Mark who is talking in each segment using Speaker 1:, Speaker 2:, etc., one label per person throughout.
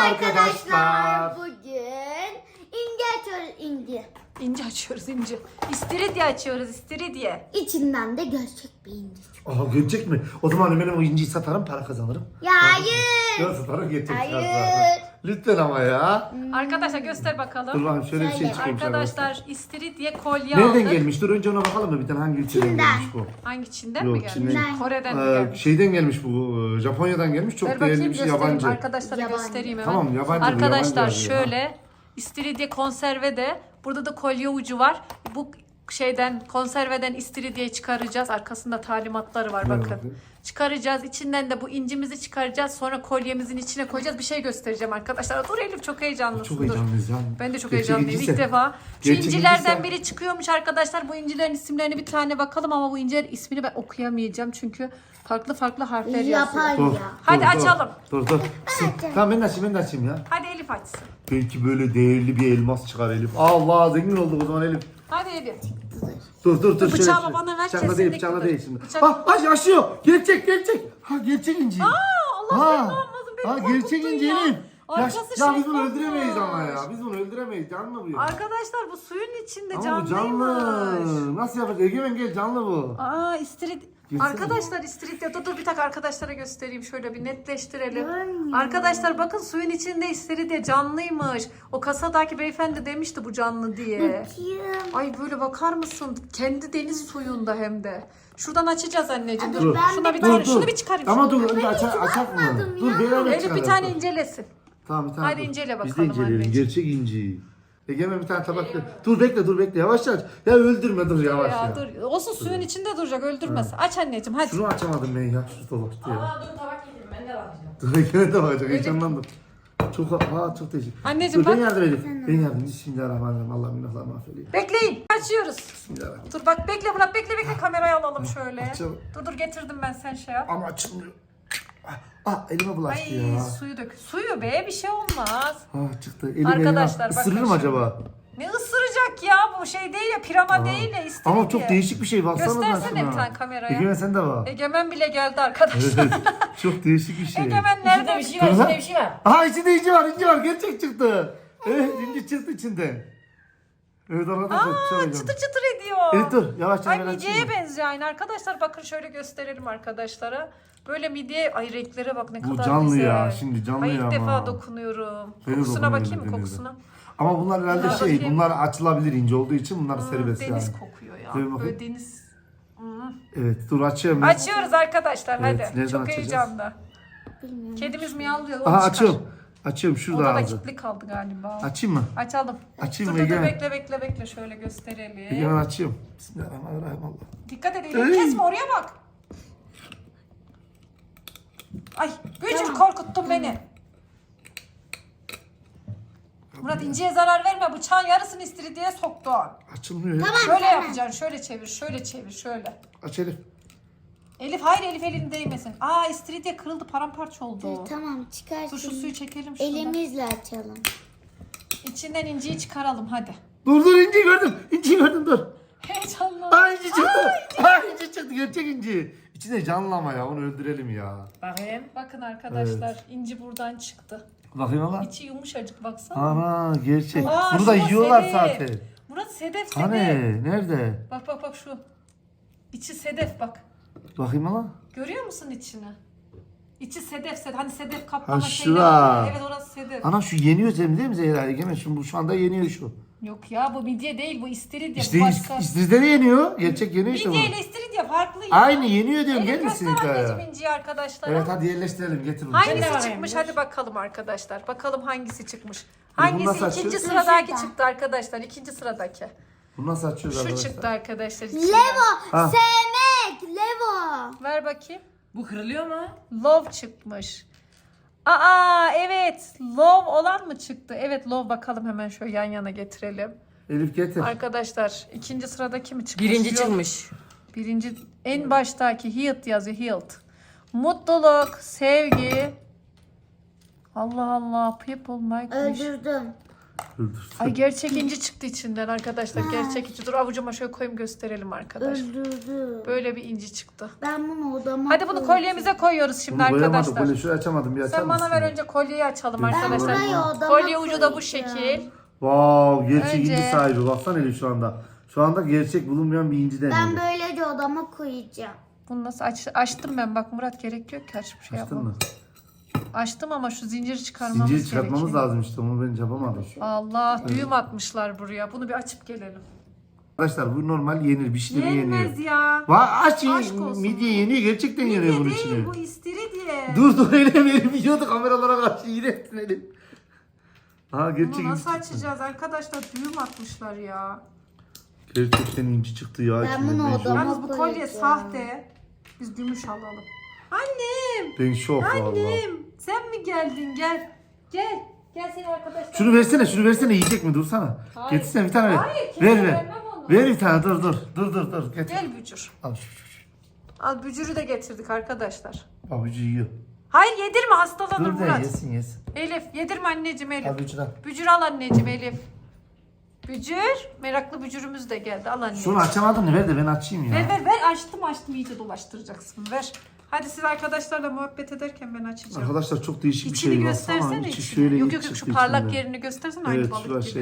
Speaker 1: arkadaşlar.
Speaker 2: Bugün inci açıyoruz, inci.
Speaker 3: İnci açıyoruz, inci. İstiridye açıyoruz, istiridye.
Speaker 2: İçinden de gerçek bir inci çıkıyor.
Speaker 1: Aha görecek mi? O zaman ben o inciyi satarım, para kazanırım.
Speaker 2: Ya hayır.
Speaker 1: Ya satarım, gerçek
Speaker 2: Hayır.
Speaker 1: zaten. Lütfen ama ya.
Speaker 3: Arkadaşlar göster
Speaker 1: Dur
Speaker 3: bakalım.
Speaker 1: bakayım şöyle bir şey
Speaker 2: Söyle.
Speaker 1: çıkıyormuş
Speaker 3: Arkadaşlar istiridye kolye
Speaker 1: Nereden
Speaker 3: aldık.
Speaker 1: gelmiş? Dur önce ona bakalım mı? Bir tane hangi ülkeden
Speaker 2: Çin'den.
Speaker 1: gelmiş bu?
Speaker 3: Hangi Çin'den
Speaker 1: Yok,
Speaker 3: mi gelmiş?
Speaker 1: Çin'den.
Speaker 3: Kore'den mi gelmiş?
Speaker 1: Şeyden gelmiş bu. Japonya'dan gelmiş. Çok
Speaker 3: Ver
Speaker 1: değerli
Speaker 3: bakayım
Speaker 1: bir şey,
Speaker 3: göstereyim.
Speaker 1: yabancı.
Speaker 3: Arkadaşlara
Speaker 2: Yabancı.
Speaker 3: göstereyim hemen.
Speaker 1: Tamam, yabancı bu,
Speaker 3: Arkadaşlar
Speaker 1: yabancı yazıyor.
Speaker 3: şöyle istiridye konserve de burada da kolye ucu var. Bu şeyden konserveden istiridyeyi çıkaracağız. Arkasında talimatları var bakın.
Speaker 1: bakayım.
Speaker 3: Çıkaracağız. İçinden de bu incimizi çıkaracağız. Sonra kolyemizin içine koyacağız. Bir şey göstereceğim arkadaşlar. Dur Elif çok heyecanlısın.
Speaker 1: Çok
Speaker 3: Dur.
Speaker 1: heyecanlıyız ya.
Speaker 3: Ben de çok
Speaker 1: Gerçek
Speaker 3: heyecanlıyım
Speaker 1: inciyse-
Speaker 3: ilk defa. Şu
Speaker 1: gerçek
Speaker 3: incilerden
Speaker 1: inciyse-
Speaker 3: biri çıkıyormuş arkadaşlar. Bu incilerin isimlerine bir tane bakalım ama bu incilerin ismini ben okuyamayacağım. Çünkü farklı farklı harfler yazıyor.
Speaker 2: Yapar
Speaker 1: Dur,
Speaker 2: ya.
Speaker 3: Hadi
Speaker 1: dur,
Speaker 3: açalım.
Speaker 1: Dur. Tamam ben de açayım ya.
Speaker 3: Hadi Elif açsın.
Speaker 1: Belki böyle değerli bir elmas çıkar Elif. Allah zengin olduk o zaman Elif.
Speaker 3: Hadi Elif.
Speaker 1: Dur.
Speaker 3: Bıçağı
Speaker 1: şöyle.
Speaker 3: bana ver,
Speaker 1: Bıçakla değil,
Speaker 3: kesinlikle.
Speaker 1: bıçakla değil şimdi.
Speaker 3: Bıçak-
Speaker 1: Ha yaşıyor. Gerçek. Ha gerçek inci.
Speaker 3: Allah seni almasın, beni
Speaker 1: Ha gerçek
Speaker 3: korkuttun
Speaker 1: inci
Speaker 3: ya.
Speaker 1: Elif.
Speaker 3: Arkası
Speaker 1: Ya biz bunu
Speaker 3: şeffaf
Speaker 1: öldüremeyiz ama
Speaker 3: olmuş.
Speaker 1: ya. Biz bunu öldüremeyiz. Canlı bu ya.
Speaker 3: Arkadaşlar bu suyun içinde
Speaker 1: Ama bu
Speaker 3: canlıymış.
Speaker 1: canlı. Nasıl yapacağız? Egemen gel canlı bu.
Speaker 3: Aa istiridye.
Speaker 1: Gelsene.
Speaker 3: Arkadaşlar istiridye. Dur bir dakika arkadaşlara göstereyim. Şöyle bir netleştirelim.
Speaker 2: Görmüyorum.
Speaker 3: Arkadaşlar bakın suyun içinde istiridye canlıymış. O kasadaki beyefendi demişti bu canlı diye.
Speaker 2: Bakayım.
Speaker 3: Ay böyle bakar mısın? Kendi deniz suyunda hem de. Şuradan açacağız anneciğim.
Speaker 2: Hadi
Speaker 3: Dur.
Speaker 2: ben
Speaker 3: Şuna bir
Speaker 2: de-
Speaker 3: tane, şunu bir çıkarayım.
Speaker 1: Ama
Speaker 3: şunu.
Speaker 1: dur önce açak mı?
Speaker 2: bakmadım
Speaker 1: Dur
Speaker 2: ya.
Speaker 1: beraber
Speaker 3: Elif
Speaker 1: çıkaralım.
Speaker 3: bir tane incelesin.
Speaker 1: Tamam bir tane.
Speaker 3: Hadi
Speaker 1: dur.
Speaker 3: incele
Speaker 1: Biz de
Speaker 3: bakalım
Speaker 1: inceleyelim.
Speaker 3: anneciğim.
Speaker 1: Gerçek inci. Egemen bir tane tabak ver. Dur bekle. Yavaş aç. Ya öldürme dur yavaş ya.
Speaker 3: Dur. Olsun suyun içinde duracak öldürmez. Aç anneciğim hadi.
Speaker 1: Şunu açamadım ben ya. Şu dolaştı ya.
Speaker 3: Dur tabak getireyim ben de bakacağım.
Speaker 1: Dur Egemen de bakacak. Heyecanlandım. Çok değişik.
Speaker 3: Anneciğim
Speaker 1: Dur ben
Speaker 3: bak.
Speaker 1: yardım edeyim. Ben yardım edeyim. Bismillahirrahmanirrahim. Allah günahlarımı affedeyim.
Speaker 3: Bekleyin. Açıyoruz.
Speaker 1: Bismillahirrahmanirrahim.
Speaker 3: Dur bak bekle Murat bekle kamerayı alalım şöyle.
Speaker 1: açalım.
Speaker 3: Dur getirdim ben sen şey yap.
Speaker 1: Ama açılmıyor. Elime bulaştı
Speaker 3: Ay
Speaker 1: ya.
Speaker 3: suyu dök. Suyu be bir şey olmaz.
Speaker 1: Çıktı. Elim
Speaker 3: Arkadaşlar,
Speaker 1: elime.
Speaker 3: bakın
Speaker 1: Isırır mı
Speaker 3: şimdi.
Speaker 1: acaba?
Speaker 3: Ne ısıracak ya bu şey değil ya pirama değil ya istiridye.
Speaker 1: Ama çok değişik bir şey. Baksana
Speaker 3: Göstersene
Speaker 1: şuna.
Speaker 3: bir tane kameraya.
Speaker 1: Egemen sen de bak.
Speaker 3: Egemen bile geldi arkadaşlar.
Speaker 1: Çok değişik bir şey.
Speaker 3: Egemen nerede?
Speaker 4: Bir şey var, içinde bir şey var.
Speaker 1: Aha içinde inci var. Gerçek çıktı. Evet inci çıktı içinden. Evet arkadaşlar. çok heyecanlı.
Speaker 3: Çıtır çıtır ediyor.
Speaker 1: Evet dur yavaşça
Speaker 3: Ay
Speaker 1: ben
Speaker 3: midyeye
Speaker 1: açayım.
Speaker 3: benziyor aynı arkadaşlar. Bakın şöyle gösterelim arkadaşlara. Böyle midye, ay renklere bak ne
Speaker 1: Bu
Speaker 3: kadar
Speaker 1: canlı
Speaker 3: güzel.
Speaker 1: ya, şimdi canlı
Speaker 3: ay,
Speaker 1: ya
Speaker 3: ilk
Speaker 1: ama.
Speaker 3: defa dokunuyorum.
Speaker 1: Ben de
Speaker 3: Kokusuna
Speaker 1: dokunuyorum
Speaker 3: bakayım mı
Speaker 1: denizde.
Speaker 3: kokusuna?
Speaker 1: Ama bunlar herhalde
Speaker 3: Dur bakayım.
Speaker 1: bunlar açılabilir ince olduğu için bunlar serbest
Speaker 3: Deniz
Speaker 1: yani.
Speaker 3: kokuyor ya.
Speaker 1: Ver bakayım.
Speaker 3: Böyle deniz.
Speaker 1: Evet dur açıyorum. ben.
Speaker 3: Açıyoruz arkadaşlar
Speaker 1: Evet,
Speaker 3: hadi.
Speaker 1: nereden
Speaker 3: Çok
Speaker 1: açacağız?
Speaker 3: heyecanlı.
Speaker 2: Bilmiyorum.
Speaker 3: Kedimiz miyavlıyor.
Speaker 1: Aha
Speaker 3: onu çıkar.
Speaker 1: açıyorum. Açıyorum şurada
Speaker 3: Odada
Speaker 1: ağzı.
Speaker 3: kilitli kaldı galiba.
Speaker 1: Açayım mı?
Speaker 3: Açalım.
Speaker 1: Açayım
Speaker 3: Dur
Speaker 1: mı
Speaker 3: dur
Speaker 1: Egemen?
Speaker 3: bekle şöyle gösterelim.
Speaker 1: Egemen açıyorum. Bismillahirrahmanirrahim Allah.
Speaker 3: Dikkat edin.
Speaker 1: Ey!
Speaker 3: Kesme oraya bak. Ay Bücür korkuttun beni. Murat inciye zarar verme. Bıçağın yarısını istiridyeye soktun.
Speaker 1: Açılmıyor ya.
Speaker 3: Şöyle yapacaksın. Şöyle çevir. Şöyle.
Speaker 1: Aç Elif.
Speaker 3: Elif hayır Elif elini değmesin. Aa istiridye kırıldı paramparça oldu.
Speaker 2: Tamam çıkarsın.
Speaker 3: Dur şu suyu çekelim şuradan.
Speaker 2: Elimizle açalım.
Speaker 3: İçinden inciyi çıkaralım hadi.
Speaker 1: Dur inciyi gördüm. İnciyi gördüm dur.
Speaker 3: Heyecanlı.
Speaker 1: Aa inci çıktı. İnci çıktı. Gerçek inci. İçinde canlı ama ya. Onu öldürelim ya.
Speaker 3: Bakayım. Bakın arkadaşlar inci buradan çıktı.
Speaker 1: Bakayım ama.
Speaker 3: İçi yumuşacık baksana.
Speaker 1: Ana gerçek.
Speaker 3: Aa,
Speaker 1: Bunu da
Speaker 3: şu
Speaker 1: yiyorlar
Speaker 3: sedef.
Speaker 1: zaten.
Speaker 3: Murat sedef.
Speaker 1: Hani nerede?
Speaker 3: Bak şu. İçi sedef bak.
Speaker 1: Bakayım ama.
Speaker 3: Görüyor musun içini? İçi sedef. Hani sedef kaplama
Speaker 1: Ha,
Speaker 3: şeyleri
Speaker 1: şura.
Speaker 3: var. Evet orası sedef.
Speaker 1: Ana şu yeniyor Cem değil mi Zehra? Egemen şu anda yeniyor şu.
Speaker 3: Yok ya bu midye değil bu istiridye.
Speaker 1: İşte
Speaker 3: bu başka.
Speaker 1: İstiridye de yeniyor. Gerçek yeniyor işte bu.
Speaker 3: Midye ile istiridye farklı ya.
Speaker 1: Aynı yeniyor diyorum.
Speaker 3: Elif
Speaker 1: Gelmişsin
Speaker 3: göster anneciğim
Speaker 1: hikaya.
Speaker 3: inciyi arkadaşlara.
Speaker 1: Evet hadi yerleştirelim. Getir bunu.
Speaker 3: Hangisi
Speaker 4: Ben de
Speaker 3: çıkmış?
Speaker 4: varayım.
Speaker 3: Hadi bakalım arkadaşlar. Bakalım hangisi çıkmış.
Speaker 1: bunu
Speaker 3: Hangisi?
Speaker 1: nasıl
Speaker 3: İkinci
Speaker 1: açıyoruz?
Speaker 3: sıradaki
Speaker 2: Şurada.
Speaker 3: çıktı arkadaşlar. İkinci sıradaki.
Speaker 1: Bunu nasıl açıyoruz
Speaker 3: Şu
Speaker 1: arkadaşlar?
Speaker 3: çıktı arkadaşlar. içinden.
Speaker 2: Levo.
Speaker 1: Ha.
Speaker 2: Sevmek. Levo.
Speaker 3: Ver bakayım.
Speaker 4: Bu kırılıyor mu?
Speaker 3: Love çıkmış. Aa evet. Love olan mı çıktı? Evet love bakalım hemen şöyle yan yana getirelim.
Speaker 1: Elif getir.
Speaker 3: Arkadaşlar ikinci sıradaki mi çıkmış?
Speaker 4: Birinci
Speaker 3: Yok.
Speaker 4: çıkmış.
Speaker 3: Birinci en baştaki healed yazıyor healed. Mutluluk, sevgi. Allah Allah people like wish.
Speaker 2: Öldürdüm.
Speaker 1: Dur.
Speaker 3: Ay gerçek inci çıktı içinden arkadaşlar. Gerçek inci. Dur avucuma şöyle koyayım gösterelim arkadaşlar.
Speaker 2: Öldürdü.
Speaker 3: Böyle bir inci çıktı.
Speaker 2: Ben bunu odama
Speaker 3: Hadi bunu kolyemize koyuyoruz şimdi
Speaker 1: Bunu koyamadık.
Speaker 3: arkadaşlar.
Speaker 1: Böyle şurayı açamadım. Bir açar
Speaker 3: Sen bana
Speaker 1: mısın?
Speaker 3: ver önce kolyeyi açalım
Speaker 1: Ben
Speaker 3: arkadaşlar.
Speaker 2: burayı odama
Speaker 3: Kolye ucu da bu
Speaker 2: koyacağım.
Speaker 3: şekil.
Speaker 1: Wow, gerçek
Speaker 3: Önce-
Speaker 1: inci sahibi. Baksana Elif şu anda. Şu anda gerçek bulunmayan bir inci
Speaker 2: Ben
Speaker 1: deniyor.
Speaker 2: böylece odama koyacağım.
Speaker 3: Bunu nasıl açtım ben bak Murat gerek yok ki açıp şey
Speaker 1: Açtın
Speaker 3: yapmam.
Speaker 1: mı?
Speaker 3: Açtım ama şu zinciri çıkarmamız
Speaker 1: Zinciri çıkartmamız
Speaker 3: gerekiyor.
Speaker 1: lazım işte. Onu ben yapamadım.
Speaker 3: Allah düğüm atmışlar buraya. Bunu bir açıp gelelim.
Speaker 1: Arkadaşlar bu normal yenir. Pişirir yeniyor.
Speaker 3: Yenmez ya.
Speaker 1: Aç
Speaker 3: Aşk olsun.
Speaker 1: midye yeniyor. Gerçekten yeniyor bunun içine.
Speaker 3: Değil bu istiridye.
Speaker 1: Dur öyle verim yiyordu kameralara karşı yine etsin Elif. Ha gerçek
Speaker 3: Bunu
Speaker 1: inci
Speaker 3: nasıl
Speaker 1: çıktı.
Speaker 3: açacağız arkadaşlar? Düğüm atmışlar ya.
Speaker 1: Gerçekten inci çıktı ya.
Speaker 2: Ben
Speaker 1: içinden.
Speaker 2: bunu
Speaker 1: şok.
Speaker 2: odama-
Speaker 3: Yalnız bu kolye
Speaker 2: koyacağım.
Speaker 3: sahte. Biz gümüş alalım. Annem.
Speaker 1: Ben şok valla.
Speaker 3: Annem. Sen mi geldin? Gel. Gel. Gel seni arkadaşlar.
Speaker 1: Şunu versene yiyecek mi? Dursana.
Speaker 3: Hayır.
Speaker 1: Getirsene bir tane ver.
Speaker 3: Hayır, kimseye
Speaker 1: Ver ver.
Speaker 3: vermem onu.
Speaker 1: Ver bir tane dur. Getir.
Speaker 3: Gel bücür.
Speaker 1: Al şu.
Speaker 3: Al bücürü de getirdik arkadaşlar.
Speaker 1: Abucu yiyor.
Speaker 3: Hayır yedirme hastalanır
Speaker 1: Dur de
Speaker 3: Murat.
Speaker 1: yesin.
Speaker 3: Elif yedirme anneciğim Elif.
Speaker 1: Abucu da.
Speaker 3: Bücür al anneciğim Elif. Bücür. Meraklı bücürümüz de geldi. Al anneciğim.
Speaker 1: Şunu açamadın mı? Ver de ben açayım ya.
Speaker 3: Ver açtım iyice dolaştıracaksın ver. Hadi siz arkadaşlarla muhabbet ederken ben açacağım.
Speaker 1: Arkadaşlar çok değişik bir
Speaker 3: İçini
Speaker 1: şey.
Speaker 3: göstersene
Speaker 1: Baksana, içi
Speaker 3: içini.
Speaker 1: şöyle
Speaker 3: Yok
Speaker 1: iç
Speaker 3: şu
Speaker 1: çıktı
Speaker 3: parlak
Speaker 1: içinden.
Speaker 3: yerini göstersene aynı
Speaker 1: Evet
Speaker 3: balık
Speaker 1: şurada
Speaker 3: gibi.
Speaker 1: şey.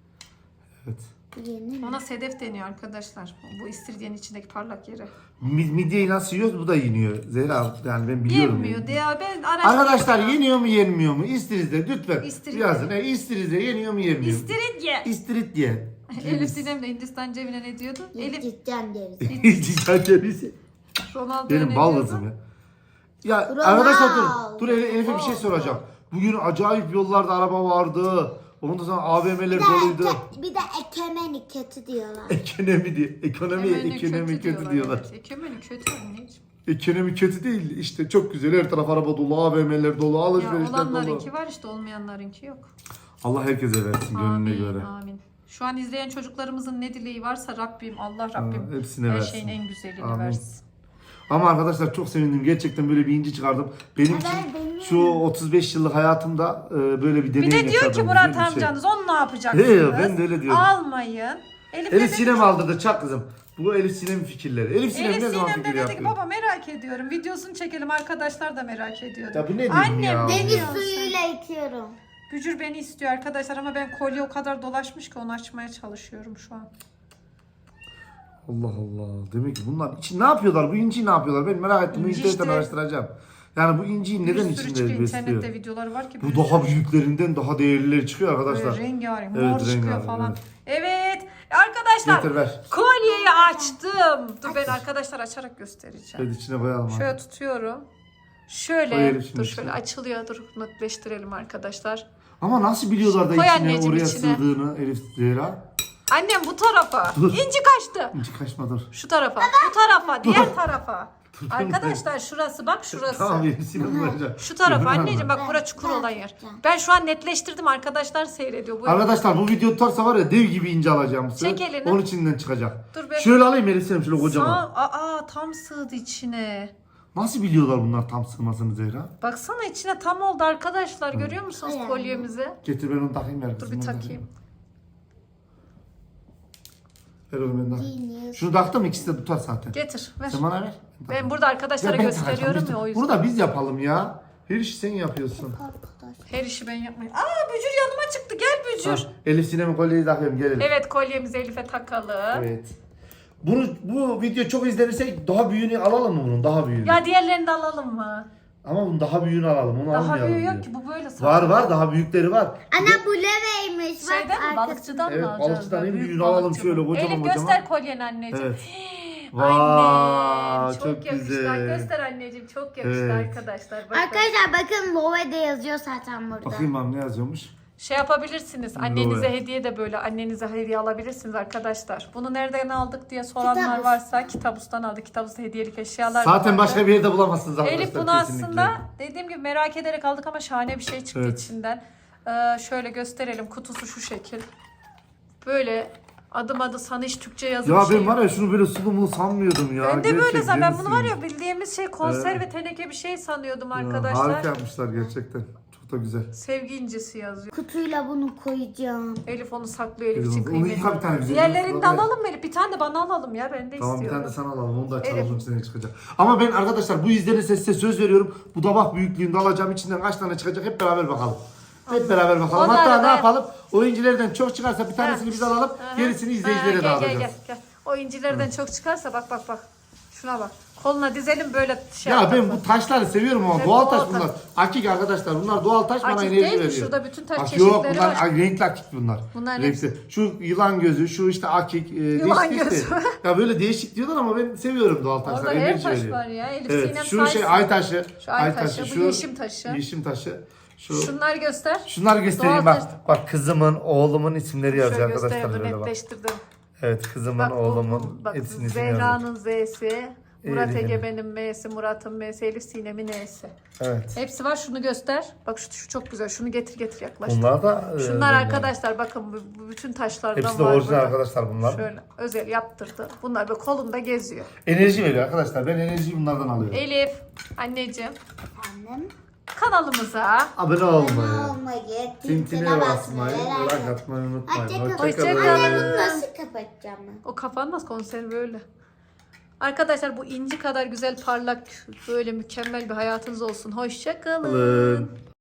Speaker 1: Evet.
Speaker 2: Yeni.
Speaker 3: Ona sedef deniyor arkadaşlar. Bu istiridyenin içindeki parlak yeri.
Speaker 1: Midyeyi nasıl yiyoruz? Bu da yeniyor. Zehra yani ben biliyorum.
Speaker 3: Yenmiyor diye ben
Speaker 1: Arkadaşlar yeniyor mu yenmiyor mu? İstirizde lütfen
Speaker 3: İstiridye.
Speaker 1: yazın. İstirizde yeniyor mu yenmiyor mu?
Speaker 3: İstiridye.
Speaker 1: İstiridye.
Speaker 3: Elif Sinem de Hindistan cebine ne diyordu? Elif
Speaker 2: Cidden deriz.
Speaker 1: Cidden cevizi.
Speaker 3: Ronaldo'ya
Speaker 1: Benim
Speaker 3: ne
Speaker 1: bal
Speaker 3: diyordu?
Speaker 1: kızım ya. Ya
Speaker 2: Ronaldo.
Speaker 1: arkadaşlar dur Elif'e bir şey soracağım. Bugün acayip yollarda araba vardı. Ondan sonra AVM'ler doluydu.
Speaker 2: Bir de ekonomi kötü diyorlar.
Speaker 1: Ekonomi diye. Ekonomi kötü diyorlar.
Speaker 3: Evet. Ekonomi kötü anneciğim.
Speaker 1: Ekonomi kötü değil. İşte çok güzel. Her taraf araba dolu, AVM'ler dolu,
Speaker 3: Ya
Speaker 1: alışverişler dolu.
Speaker 3: olanlarınki var işte olmayanlarınki yok.
Speaker 1: Allah herkese versin gönlüne
Speaker 3: Amin,
Speaker 1: göre.
Speaker 3: amin. Şu an izleyen çocuklarımızın ne dileği varsa Rabbim, Allah Rabbim
Speaker 1: hepsine
Speaker 3: her
Speaker 1: versin.
Speaker 3: şeyin en güzelini
Speaker 1: Amin.
Speaker 3: versin.
Speaker 1: Ama arkadaşlar çok sevindim. Gerçekten böyle bir inci çıkardım. Benim için
Speaker 2: benim.
Speaker 1: şu 35 yıllık hayatımda böyle bir deneyim
Speaker 3: Bir
Speaker 1: yaşadım.
Speaker 3: de diyor ki Murat
Speaker 1: Güzel bir şey.
Speaker 3: amcanız onu ne yapacaksınız?
Speaker 1: He, ben de öyle diyorum.
Speaker 3: Almayın. Elif
Speaker 1: Elif Sinem aldırdı çak kızım. Bu Elif Sinem'in fikirleri. Elif Sinem
Speaker 3: Elif
Speaker 1: ne zaman
Speaker 3: Sinem de
Speaker 1: fikir
Speaker 3: dedi ki
Speaker 1: yapıyor?
Speaker 3: baba merak ediyorum. Videosunu çekelim arkadaşlar da merak ediyordu.
Speaker 1: Ya bu ne diyorsun
Speaker 3: Annem
Speaker 1: ya?
Speaker 2: Deniz
Speaker 3: diyorsun?
Speaker 2: suyuyla yıkıyorum.
Speaker 3: Bücür beni istiyor arkadaşlar ama ben kolye o kadar dolaşmış ki onu açmaya çalışıyorum şu an.
Speaker 1: Allah Allah. Demek ki bunlar için ne yapıyorlar? Bu inciyi ne yapıyorlar? Ben merak ettim. Bu
Speaker 3: İnci
Speaker 1: internetten
Speaker 3: işte-
Speaker 1: araştıracağım. Yani bu inciyi neden
Speaker 3: bir sürü
Speaker 1: içinde
Speaker 3: çıkıyor
Speaker 1: besliyor?
Speaker 3: internette videoları var ki.
Speaker 1: Bu daha büyüklerinden daha değerlileri çıkıyor
Speaker 3: Böyle
Speaker 1: arkadaşlar.
Speaker 3: rengarenk,
Speaker 1: Evet,
Speaker 3: mor çıkıyor
Speaker 1: rengarenk,
Speaker 3: falan.
Speaker 1: evet.
Speaker 3: Evet. Arkadaşlar
Speaker 1: Getir ver.
Speaker 3: kolyeyi açtım. Dur ben arkadaşlar açarak göstereceğim.
Speaker 1: Evet içine koyalım.
Speaker 3: Şöyle tutuyorum. Şöyle
Speaker 1: Koyalım şimdi
Speaker 3: dur
Speaker 1: içine.
Speaker 3: şöyle açılıyor. Dur netleştirelim arkadaşlar.
Speaker 1: Ama nasıl biliyorlar da
Speaker 3: Koy
Speaker 1: içine
Speaker 3: anneciğim
Speaker 1: oraya
Speaker 3: içine.
Speaker 1: sığdığını Elif Zehra?
Speaker 3: Annem bu tarafa.
Speaker 1: Dur.
Speaker 3: İnci kaçtı.
Speaker 1: İnci kaçma dur.
Speaker 3: Şu tarafa. Bu tarafa. Diğer tarafa. Arkadaşlar şurası bak şurası.
Speaker 1: Tamam Elif Sinem koyacağım.
Speaker 3: Şu tarafa
Speaker 1: Görüyor
Speaker 3: anneciğim
Speaker 1: musun?
Speaker 3: bak bura çukur
Speaker 2: Ben
Speaker 3: olan yer.
Speaker 2: tutacağım.
Speaker 3: Ben şu an netleştirdim arkadaşlar seyrediyor. Bu
Speaker 1: Arkadaşlar bu video tutarsa var ya dev gibi ince alacağım size.
Speaker 3: Çek elini.
Speaker 1: Onun içinden çıkacak.
Speaker 3: Dur ben-
Speaker 1: Şöyle alayım Elif Sinem şöyle kocaman.
Speaker 3: Tam sığdı içine.
Speaker 1: Nasıl biliyorlar bunlar tam sığmasını Zehra?
Speaker 3: Baksana içine tam oldu arkadaşlar. Görüyor musunuz
Speaker 2: Ay,
Speaker 3: kolyemizi?
Speaker 1: Getir ben onu takayım ver
Speaker 3: Dur
Speaker 1: kızım.
Speaker 3: bir
Speaker 1: onu
Speaker 3: takayım.
Speaker 1: Ver oğlum ben takayım.
Speaker 2: Genius.
Speaker 1: Şunu taktım ikisi de tutar zaten.
Speaker 3: Getir ver.
Speaker 1: Sen bana ver.
Speaker 3: Ben burada arkadaşlara
Speaker 1: ben
Speaker 3: gösteriyorum
Speaker 1: takacağım.
Speaker 3: ya o yüzden.
Speaker 1: Bunu da biz yapalım ya. Her işi sen yapıyorsun.
Speaker 2: Arkadaş.
Speaker 3: Her işi ben yapmayayım. Bücür yanıma çıktı. Gel Bücür.
Speaker 1: Ha, Elif Sinem'in kolyeyi takıyorum gelelim.
Speaker 3: Evet kolyemizi Elif'e takalım.
Speaker 1: Evet. Bu video çok izlenirse daha büyüğünü alalım mı bunun? Daha büyüğünü.
Speaker 3: Ya diğerlerini de alalım mı?
Speaker 1: Ama bunun daha büyüğünü alalım. Onu
Speaker 3: Daha
Speaker 1: almayalım
Speaker 3: büyüğü
Speaker 1: diyor.
Speaker 3: yok ki bu böyle sadece.
Speaker 1: Var daha büyükleri var.
Speaker 2: Ana bu leveymiş. Bak
Speaker 3: Şeyden mi
Speaker 2: arkası.
Speaker 3: balıkçıdan
Speaker 1: Evet,
Speaker 3: mı alacağız?
Speaker 1: balıkçıdan en
Speaker 3: Büyük
Speaker 1: büyüğünü alalım
Speaker 3: balıkçı
Speaker 1: şöyle
Speaker 3: bu.
Speaker 1: kocaman
Speaker 3: Elif
Speaker 1: kocaman.
Speaker 3: göster kolyeni anneciğim.
Speaker 1: Evet.
Speaker 3: Annem
Speaker 1: Vay,
Speaker 3: çok,
Speaker 1: çok
Speaker 3: yakıştı.
Speaker 1: güzel.
Speaker 3: Göster anneciğim çok yakıştı
Speaker 1: Evet.
Speaker 3: arkadaşlar. Bakın.
Speaker 2: Arkadaşlar bakın Love'de yazıyor zaten burada.
Speaker 1: Bakayım abi ne yazıyormuş.
Speaker 3: Şey yapabilirsiniz. Annenize
Speaker 1: Doğru.
Speaker 3: hediye de böyle annenize hediye alabilirsiniz arkadaşlar. Bunu nereden aldık diye soranlar
Speaker 2: Kitabus.
Speaker 3: varsa Kitabus'tan aldık. Kitabus'ta hediyelik eşyalar
Speaker 1: Zaten
Speaker 3: vardı.
Speaker 1: başka bir yerde bulamazsınız arkadaşlar.
Speaker 3: Elif bunu
Speaker 1: kesinlikle.
Speaker 3: aslında dediğim gibi merak ederek aldık ama şahane bir şey çıktı
Speaker 1: Evet.
Speaker 3: içinden. Şöyle gösterelim. Kutusu şu şekil. Böyle adım adı sana hiç Türkçe yazılı
Speaker 1: Ya
Speaker 3: şey
Speaker 1: ben var
Speaker 3: yok.
Speaker 1: ya şunu böyle sulu sanmıyordum ya.
Speaker 3: Ben de böyle
Speaker 1: Gerçekten
Speaker 3: ben bunu var
Speaker 1: yenisi.
Speaker 3: ya bildiğimiz şey konserve teneke bir şey sanıyordum
Speaker 1: Ya,
Speaker 3: arkadaşlar.
Speaker 1: harika yapmışlar gerçekten. Çok Bu da güzel.
Speaker 3: Sevgi incisi yazıyor.
Speaker 2: Kutuyla bunu koyacağım.
Speaker 3: Elif onu saklıyor, Elif için
Speaker 1: Onu
Speaker 3: kıymetli.
Speaker 1: yıka bir tane güzel.
Speaker 3: Diğerlerini de alalım mı Elif? Bir tane de bana alalım ya, ben de
Speaker 1: Tamam bir
Speaker 3: istiyorum.
Speaker 1: tane de sana alalım. Onu da açalım.
Speaker 3: Elif.
Speaker 1: Onun içine çıkacak. Ama ben arkadaşlar bu izlenirse size söz veriyorum. Bu tabak büyüklüğünde alacağım. İçinden kaç tane çıkacak hep beraber bakalım. Hep beraber bakalım.
Speaker 3: Onlar
Speaker 1: Hatta
Speaker 3: da-
Speaker 1: ne yapalım? Oyunculardan çok çıkarsa bir tanesini biz alalım.
Speaker 3: Aha.
Speaker 1: Gerisini
Speaker 3: Ha,
Speaker 1: izleyicilere
Speaker 3: gel,
Speaker 1: dağıtacağız.
Speaker 3: Gel. O incilerden çok çıkarsa bak. Şuna bak. Koluna dizelim böyle şey
Speaker 1: Ya
Speaker 3: yapalım.
Speaker 1: ben bu taşları seviyorum ama
Speaker 3: Evet,
Speaker 1: doğal
Speaker 3: doğal
Speaker 1: taş
Speaker 3: taş.
Speaker 1: bunlar. Akik arkadaşlar bunlar doğal taş bana
Speaker 3: Akik
Speaker 1: enerji
Speaker 3: değil mi?
Speaker 1: veriyor.
Speaker 3: Şurada bütün taş
Speaker 1: Yok
Speaker 3: çeşitleri
Speaker 1: bunlar
Speaker 3: var.
Speaker 1: renkli akik bunlar.
Speaker 3: Bunlar
Speaker 1: Renkli. Şu yılan gözü, şu işte akik.
Speaker 3: Yılan
Speaker 1: değişik
Speaker 3: gözü.
Speaker 1: işte. Ya böyle değişik diyorlar ama ben seviyorum doğal taşlar.
Speaker 3: Orada her
Speaker 1: enerji
Speaker 3: taş
Speaker 1: veriyor.
Speaker 3: var ya. Elif
Speaker 1: Evet
Speaker 3: Sinem
Speaker 1: şu
Speaker 3: saysın.
Speaker 1: şey ay taşı.
Speaker 3: Şu ay taşı, bu yeşim taşı.
Speaker 1: Yeşim taşı.
Speaker 3: Şunları göster.
Speaker 1: Şunları göstereyim
Speaker 3: Doğal
Speaker 1: bak.
Speaker 3: taş.
Speaker 1: Bak kızımın, oğlumun isimleri yazıyor
Speaker 3: Şöyle
Speaker 1: arkadaşlar
Speaker 3: göstereyim,
Speaker 1: böyle bak.
Speaker 3: netleştirdim.
Speaker 1: Evet kızımın,
Speaker 3: Bak,
Speaker 1: oğlumun
Speaker 3: bak
Speaker 1: hepsinin ismini yazıyor.
Speaker 3: Zehra'nın Z'si, Murat
Speaker 1: Ege'nin.
Speaker 3: Egemen'in M'si, Murat'ın M'si, Elif Sinem'in N'si.
Speaker 1: Evet.
Speaker 3: Hepsi var, şunu göster. Bak şu çok güzel. Şunu getir yaklaş.
Speaker 1: Bunlar da
Speaker 3: Şunlar arkadaşlar bakın bu bütün taşlardan
Speaker 1: hepsi de
Speaker 3: var
Speaker 1: orijinal
Speaker 3: burada.
Speaker 1: arkadaşlar bunlar.
Speaker 3: Şöyle özel yaptırdı. Bunlar böyle kolunda geziyor.
Speaker 1: Enerji veriyor arkadaşlar. Ben enerjiyi bunlardan alıyorum.
Speaker 3: Elif, anneciğim
Speaker 2: Efendim?
Speaker 3: kanalımıza
Speaker 1: Abone olmayı,
Speaker 2: Olmayı,
Speaker 1: tintine basmayı, like atmayı unutmayın.
Speaker 2: Hoşçakalın.
Speaker 3: Hoşçakalın.
Speaker 2: Anne bunu nasıl kapatacağım ben?
Speaker 3: o kapanmaz, konserve öyle. Arkadaşlar bu inci kadar güzel parlak böyle mükemmel bir hayatınız olsun. Hoşça kalın.
Speaker 1: Alın.